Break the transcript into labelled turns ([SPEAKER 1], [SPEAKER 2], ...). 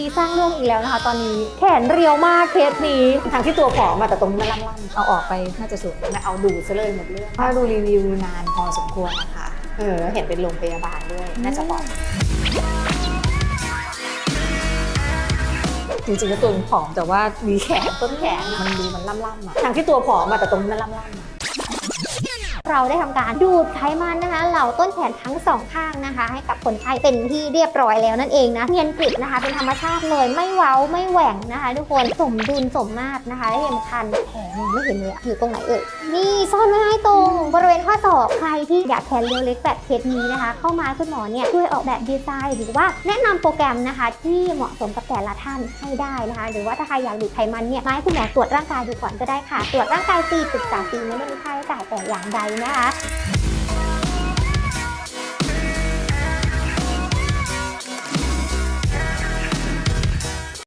[SPEAKER 1] สร้างเรื่องอีกแล้วนะคะตอนนี้แขนเรียวมากเคสนี้ทั้งที่ตัวผอมมาแต่ตรงนี้มันล่ำๆเอาออกไปน่าจะสวยนะเอาดูซะเลยหมดเรื่องถ้าดูรีวิวนานพอสมควรนะคะเห็นเป็นโรงพยาบาลด้วยน่าจะปลอดจริงๆแล้วตัวผอมแต่ว่ามีแขนต้นแขนมันดูมันล่ำๆอะทั้งที่ตัวผอมมาแต่ตรงนี้มันล่ำๆเราได้ทำการดูดไขมันนะคะเหล่าต้นแขนทั้งสองข้างนะคะให้กับคนไข้เป็นที่เรียบร้อยแล้วนั่นเองนะเนียนกริบนะคะเป็นธรรมชาติเลยไม่เว้าไม่แหว่งนะคะทุกคนสมดุลสมมาตรนะคะและที่สำคัญแขนไม่เห็นเลยอยู่ตรงไหนเอ่ยนี่ซ่อนไว้ให้ตรงบริเวณข้อศอกใครที่อยากแขนเรียวเล็กแบบเคสนี้นะคะเข้ามาคุณหมอเนี่ยช่วยออกแบบดีไซน์หรือว่าแนะนำโปรแกรมนะคะที่เหมาะสมกับแต่ละท่านให้ได้นะคะหรือว่าถ้าใครอยากดูดไขมันเนี่ยมาให้คุณหมอตรวจร่างกายดูก่อนก็ได้ค่ะตรวจร่างกายฟรีปรึกษาฟรีไม่ได้มีค่าใช้จ่ายแต่อย่างใดนะคะ